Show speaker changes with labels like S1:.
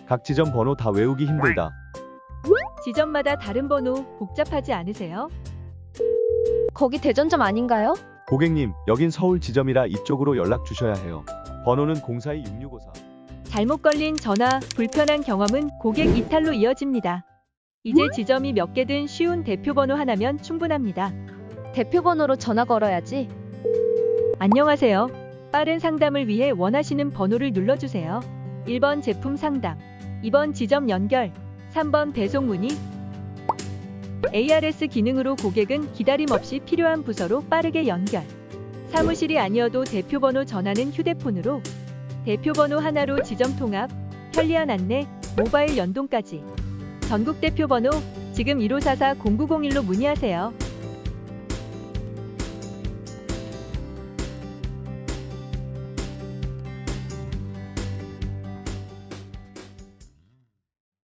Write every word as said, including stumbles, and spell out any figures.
S1: 각 지점 번호 다 외우기 힘들다.
S2: 지점마다 다른 번호 복잡하지 않으세요?
S3: 거기 대전점 아닌가요?
S1: 고객님, 여긴 서울 지점이라 이쪽으로 연락 주셔야 해요. 번호는 공사이 육육오사.
S2: 잘못 걸린 전화, 불편한 경험은 고객 이탈로 이어집니다. 이제 지점이 몇 개든 쉬운 대표 번호 하나면 충분합니다.
S3: 대표 번호로 전화 걸어야지.
S2: 안녕하세요. 빠른 상담을 위해 원하시는 번호를 눌러주세요. 일 번 제품 상담, 이 번 지점 연결, 삼 번 배송 문의. 에이아르에스 기능으로 고객은 기다림 없이 필요한 부서로 빠르게 연결. 사무실이 아니어도 대표 번호 전화는 휴대폰으로. 대표 번호 하나로 지점 통합, 편리한 안내, 모바일 연동까지. 전국 대표 번호 지금 일오사사 공구공일로 문의하세요.